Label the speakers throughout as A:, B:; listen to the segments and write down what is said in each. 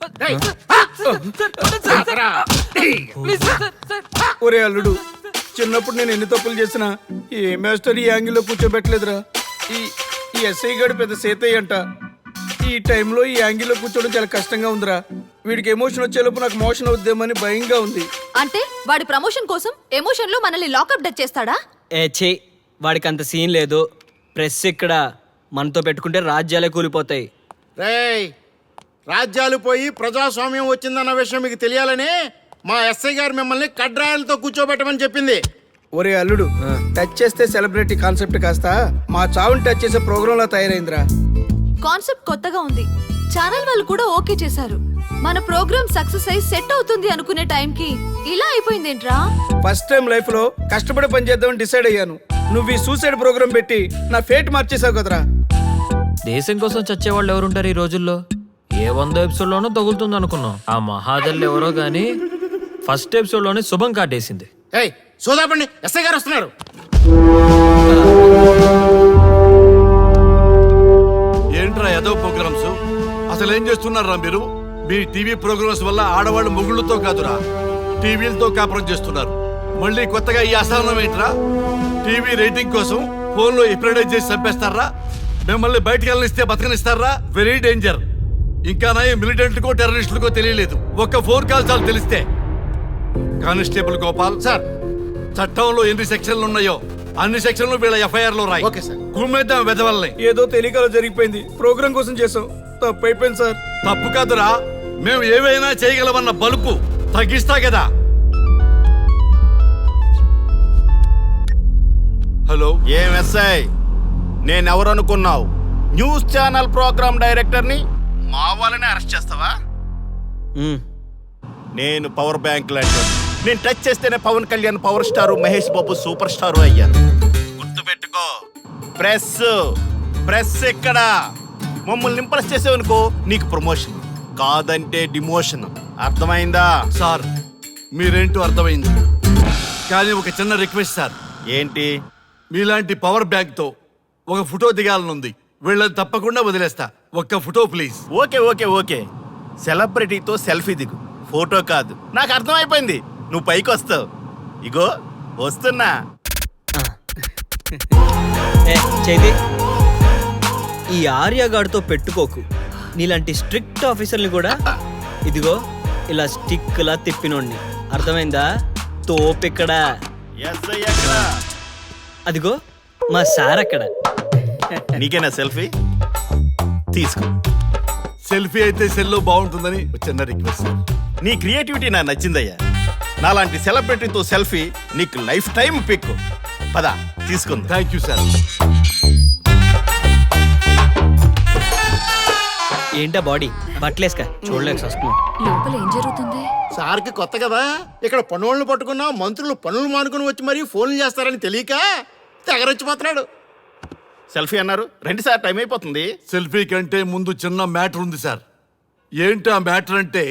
A: ఒరే అల్లుడు, చిన్నప్పుడు నేను ఎన్ని తప్పులు చేసినా ఏ మాస్టర్ ఈ యాంగిల్లో కూర్చోబెట్టలేదురా. ఈ ఎస్ఐ గడు పెద్ద సేతయ్య అంట. ఈ టైంలో ఈ యాంగిల్లో కూర్చోవడం చాలా కష్టంగా ఉందిరా. వీడికి ఎమోషన్ వచ్చేలోపు నాకు మోషన్ అవుద్దేమని భయంగా ఉంది.
B: అంటే వాడి ప్రమోషన్ కోసం ఎమోషన్ లో మనల్ని లాకప్ డెత్ చేస్తాడా?
C: వాడికి అంత సీన్ లేదు. ప్రెస్ ఇక్కడ మనతో పెట్టుకుంటే రాజ్యాలే కూలిపోతాయి.
D: రేయ్, రాజ్యాలు పోయి ప్రజాస్వామ్యం వచ్చిందన్న విషయం మీకు తెలియాలని మా ఎస్ఐ గారు మిమ్మల్ని కడ్రాయలతో కూర్చోబెట్టమని చెప్పింది.
A: ఒరే అల్లుడు, టచ్ చేస్తే సెలబ్రిటీ కాన్సెప్ట్ కాస్త మా చావుని టచ్ చేసే ప్రోగ్రామ్ లా తయారైందిరా.
B: కాన్సెప్ట్ కొత్తగా ఉంది. ఛానల్ వాళ్ళు కూడా ఓకే చేశారు. మన ప్రోగ్రామ్ సక్సెస్ అయి సెట్ అవుతుంది అనుకునే టైంకి ఇలా అయిపోయిందేంట్రా?
A: ఫస్ట్ టైం లైఫ్ లో కష్టపడి పని చేద్దామని డిసైడ్ అయ్యాను. నువ్వు ఈ సూసైడ్ ప్రోగ్రామ్ పెట్టి నా ఫేట్ మార్చేసావు కదరా.
E: దేశం కోసం చచ్చేవాళ్ళు ఎవరుంటారు ఈ రోజుల్లో? ఏ 100 ఎపిసోడ్లోనో తగులుతుంది అనుకున్నాం. ఆ మహాదల్ ఎవరో గానీ ఫస్ట్ ఎపిసోడ్లోనే శుభం కాటేసింది.
D: ఏయ్ సోదాపండి, ఎస్ఐ గారు వస్తున్నారు.
F: ఏంట్రా ఏదో ప్రోగ్రామ్స్? అసలు ఏం చేస్తున్నారా మీరు? మీ టీవీ ప్రోగ్రామ్స్ వల్ల ఆడవాళ్ళు మొగుళ్ళతో కాదురా, టీవీలతో కాపురం చేస్తున్నారు. మళ్ళీ కొత్తగా ఈ అసహనం ఏంట్రా? టీవీ రేటింగ్ కోసం ఫోన్లో ఎప్రిడైజ్ చేసి చంపేస్తారా? మిమ్మల్ని బయటకు వెళ్ళనిస్తే బతకనిస్తారా? Very danger. ఇంకా నయం మిలిటెంట్కో టెర్రరిస్టులకో తెలియలేదు, ఒక్క ఫోన్ కాల్ చాలు తెలిస్తే. కానిస్టేబుల్ గోపాల్
D: సార్,
F: చట్టంలో ఎన్ని సెక్షన్లు ఉన్నాయో అన్ని సెక్షన్లు వీళ్ళ ఎఫ్ఐఆర్ లో రాయి.
D: Okay sir.
F: కుమ్మేద్దాం వెదవల్ని.
A: ఏదో తెలియకలో జరిగిపోయింది. ప్రోగ్రామ్ కోసం చేసాం, తప్పు అయిపోయింది సార్.
F: తప్పు కాదురా, మేము ఏవైనా చేయగలమన్న బలుపు తగ్గిస్తా కదా. హలో,
D: ఏం ఎస్ఐ, నేనెవరనుకున్నావు? న్యూస్ ఛానల్ ప్రోగ్రామ్ డైరెక్టర్ని మా వాళ్ళని అరెస్ట్ చేస్తావా? నేను పవర్ బ్యాంక్ లాంటి. నేను టచ్ చేస్తేనే Pawan Kalyan power star, Mahesh Babu super star అయ్యారు. గుర్తుపెట్టుకో, ప్రెస్ ఇక్కడ మమ్మల్ని ఇంప్రెస్ చేసేవనుకో నీకు ప్రమోషన్, కాదంటే డిమోషన్. అర్థమైందా?
F: సార్ మీరేంటో అర్థమైంది, కానీ ఒక చిన్న రిక్వెస్ట్ సార్.
D: ఏంటి?
F: మీలాంటి పవర్ బ్యాంక్ తో ఒక ఫోటో దిగాలనుంది. వీళ్ళని తప్పకుండా వదిలేస్తా, ఒక్క photo please.
D: Okay okay okay, సెలబ్రిటీతో సెల్ఫీ దిగు, ఫోటో కాదు. నాకు అర్థమైపోయింది, నువ్వు పైకి వస్తావు. ఇగో వస్తున్నా.
C: చైతి, ఈ ఆర్యగాడితో పెట్టుకోకు. నీలాంటి స్ట్రిక్ట్ ఆఫీసర్ని కూడా ఇదిగో ఇలా స్టిక్ లా తిప్పినోడిని. అర్థమైందా? తోపెక్కడ?
D: ఎస్ఐ ఎక్కడ?
C: అదిగో మా సార్ అక్కడ.
D: నీకేనా సెల్ఫీ? తీసుకో.
F: సెల్ఫీ అయితే సెల్లో బాగుంటుందని ఒక చిన్న రిక్వెస్ట్ సార్.
D: నీ క్రియేటివిటీ నాకు నచ్చిందయ్యా. నాలాంటి సెలబ్రిటీతో సెల్ఫీ నీకు లైఫ్ టైం పిక్. పద తీసుకుంది.
F: Thank you sir.
C: ఏంటా బాడీ బట్టలేసుక చూడలేక వస్తున్నాం.
B: లోపల ఏం జరుగుతుంది?
D: సార్కి కొత్త కదా, ఇక్కడ పనులను పట్టుకున్నా మంత్రులు పనులు మానుకుని వచ్చి మరీ ఫోన్లు చేస్తారని తెలియక తెగరొచ్చిపోతున్నాడు. సెల్ఫీ అన్నారు, రండి సార్, టైం అయిపోతుంది.
F: సెల్ఫీ కంటే ముందు చిన్న మ్యాటర్ ఉంది సార్. ఏంటి ఆ మ్యాటర్ అంటే,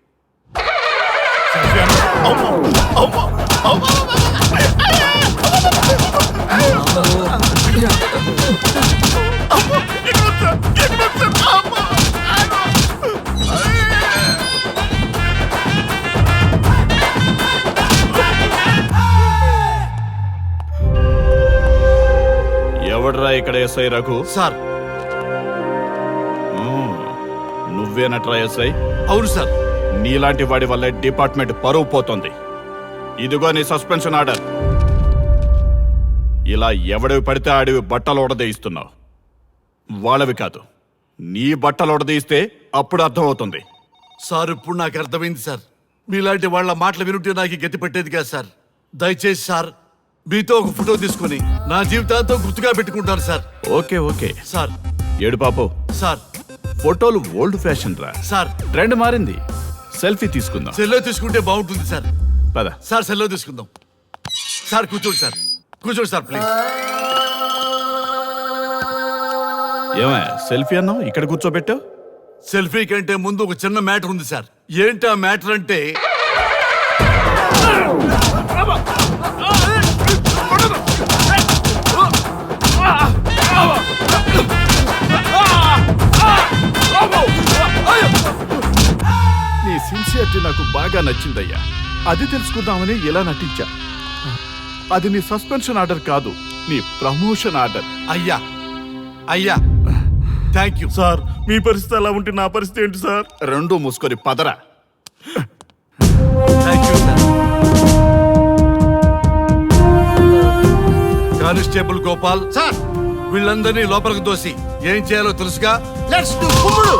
G: ఎవడ్రా ఇక్కడ ఎస్ఐ రఘు?
F: సార్.
G: నువ్వేనట్రా ఎస్ఐ?
F: అవును సార్.
G: నీలాంటి వాడి వల్ల డిపార్ట్మెంట్ పరువు పోతుంది. ఇదిగో నీ సస్పెన్షన్ ఆర్డర్. ఇలా ఎవడివి పడితే ఆడివి బట్టలు ఉడదీయిస్తున్నావు. వాళ్ళవి కాదు, నీ బట్టలు ఉడదీయిస్తే అప్పుడు అర్థమవుతుంది.
F: సార్ ఇప్పుడు నాకు అర్థమైంది సార్. మీలాంటి వాళ్ళ మాటలు వినుంటే నాకు గతి పెట్టేది కాదు సార్. దయచేసి సార్ మీతో ఒక ఫోటో తీసుకుని నా జీవితాంతో గుర్తుగా పెట్టుకుంటాను సార్.
G: Okay okay
F: sir.
G: ఏడు పాపు
F: సార్.
G: ఫోటోలు ఓల్డ్ ఫ్యాషన్ రా
F: సార్.
G: ట్రెండ్ మారింది. సెల్ఫీ తీసుకుందాం.
F: సెల్లో తీసుకుంటే బాగుంటుంది సార్.
G: పద
F: సార్, సెల్లో తీసుకుందాం. సార్ కూర్చోండి సార్, కూర్చోండి సార్ ప్లీజ్.
G: ఏమయ్య సెల్ఫీ అన్నావు, ఇక్కడ కూర్చోబెట్టావు?
F: సెల్ఫీ కంటే ముందు ఒక చిన్న మ్యాటర్ ఉంది సార్. ఏంటి ఆ మ్యాటర్ అంటే,
G: సిన్సియారిటీ నాకు బాగా నచ్చిందయ్యా. అది తెలుసుకుందామని ఇలా నటించా. అది నీ సస్పెన్షన్ ఆర్డర్ కాదు, నీ ప్రమోషన్ ఆర్డర్.
F: అయ్యా అయ్యా థ్యాంక్ యూ.
D: సార్ మీ పరిస్థితి అలా ఉంటే నా పరిస్థితి ఏంటి సార్?
G: రెండు మూసుకొని పదరా.
F: Thank you sir. Constable Gopal,
D: sir
F: వీళ్ళందరినీ లోపలికి దోసి ఏం చేయాలో తెలుసుగా.
D: Let's do కుమ్ముడు.